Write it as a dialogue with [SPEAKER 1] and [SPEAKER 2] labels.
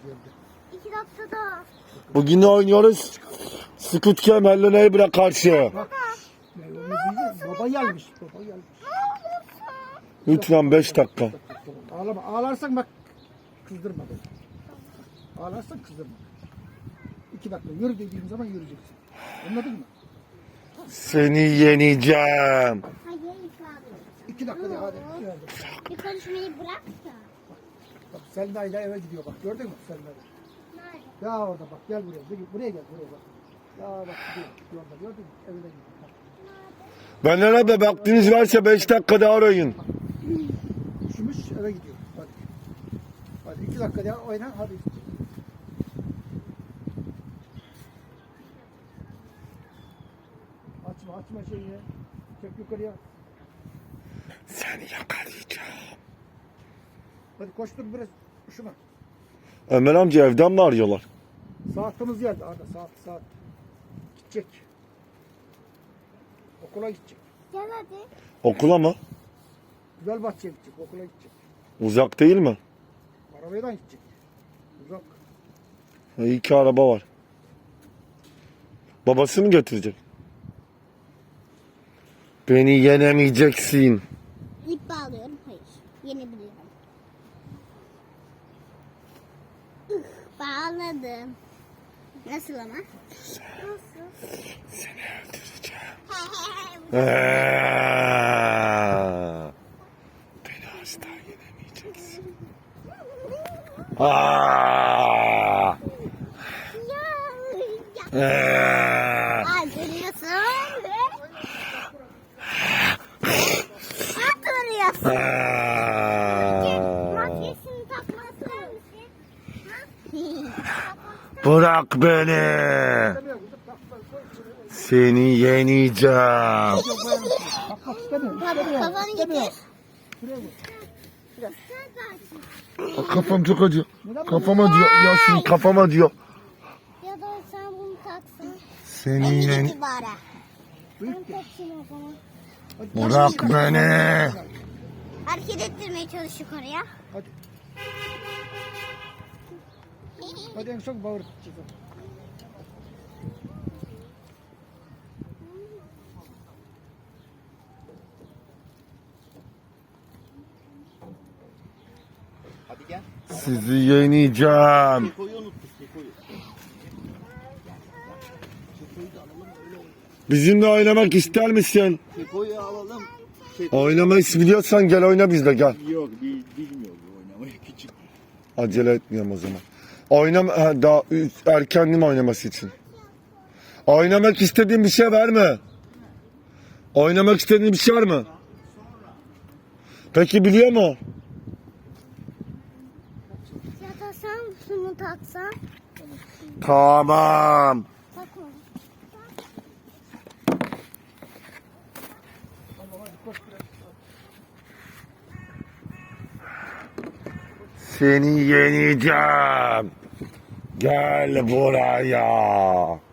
[SPEAKER 1] 2 dakikada.
[SPEAKER 2] Bugün ne oynuyoruz? Squid Game Hello Neighbor'a karşı.
[SPEAKER 3] Baba gelmiş. Baba gelmiş.
[SPEAKER 2] Lütfen 5 dakika.
[SPEAKER 3] Ağlama. Ağlarsan bak kızdırma beni. Ağlarsan kızdırma. 2 dakika yürü dediğim zaman yürüyeceksin. Anladın mı?
[SPEAKER 2] Seni yeneceğim.
[SPEAKER 1] Hayır,
[SPEAKER 3] 2 dakika de hadi.
[SPEAKER 1] bir konuşmayı bırak da.
[SPEAKER 3] Bak Selma ile eve gidiyor bak. Gördün mü Selma'yı?
[SPEAKER 1] Nerede?
[SPEAKER 3] Ya orada bak gel buraya. Buraya gel buraya bak. Ya bak gidiyor. Yolda gördün mü? Evine gidiyor. Bak.
[SPEAKER 2] Benden abi vaktiniz varsa 5 dakika daha arayın.
[SPEAKER 3] Üşümüş eve gidiyor. Hadi. Hadi 2 dakika daha oyna hadi. Açma şeyini. Çek yukarıya.
[SPEAKER 2] Seni yakalayacağım.
[SPEAKER 3] Hadi koştur biraz. Üşüme.
[SPEAKER 2] Ömer amca evden mi arıyorlar?
[SPEAKER 3] Saatimiz geldi Arda saat. Gidecek. Okula gidecek.
[SPEAKER 1] Gel hadi.
[SPEAKER 2] Okula mı?
[SPEAKER 3] Güzel bahçeye gidecek. Okula gidecek.
[SPEAKER 2] Uzak değil mi?
[SPEAKER 3] Arabayla gidecek. Uzak.
[SPEAKER 2] İyi ki araba var. Babası mı getirecek? Beni yenemeyeceksin.
[SPEAKER 1] İp bağlıyorum. Hayır. Yenebiliyorum. Bağladım. Nasıl ama? Nasıl?
[SPEAKER 2] Seni öldüreceğim.
[SPEAKER 1] He
[SPEAKER 2] Beni asla yenemeyeceksin. Aa!
[SPEAKER 1] Duruyorsun. Duruyorsun. Maskesini takmasın.
[SPEAKER 2] Bırak beni. Seni yeneceğim.
[SPEAKER 3] Bakmak istemiyorum.
[SPEAKER 1] Kafanı getir.
[SPEAKER 2] Kafam çok acıyor. Kafam acıyor. Yasin kafam acıyor.
[SPEAKER 1] Ya da sen bunu taksın.
[SPEAKER 2] Seni
[SPEAKER 1] Elini
[SPEAKER 2] yen...
[SPEAKER 1] getir bari. Ben takayım o zaman.
[SPEAKER 2] Bırak beni.
[SPEAKER 1] Hareket ettirmeye çalış yukarıya.
[SPEAKER 3] Hadi. Hadi en son bağır tutacağız.
[SPEAKER 4] Hadi gel.
[SPEAKER 2] Sizi yeneceğim.
[SPEAKER 4] Kekoyu unuttuk Kekoyu. Kekoyu da alalım öyle oynayalım.
[SPEAKER 2] Bizimle oynamak ister misin?
[SPEAKER 4] Kekoyu alalım.
[SPEAKER 2] Oynamayı biliyorsan gel oyna bizle gel.
[SPEAKER 4] Yok bilmiyor bu oynamayı küçük.
[SPEAKER 2] Acele etmiyorum o zaman. Daha erkendim oynaması için. Oynamak istediğin bir şey var mı? Oynamak istediğin bir şey var mı? Peki biliyor mu?
[SPEAKER 1] Ya da sen şunu taksan.
[SPEAKER 2] Tamam.
[SPEAKER 1] Takma.
[SPEAKER 2] Seni yeneceğim. Gel buraya.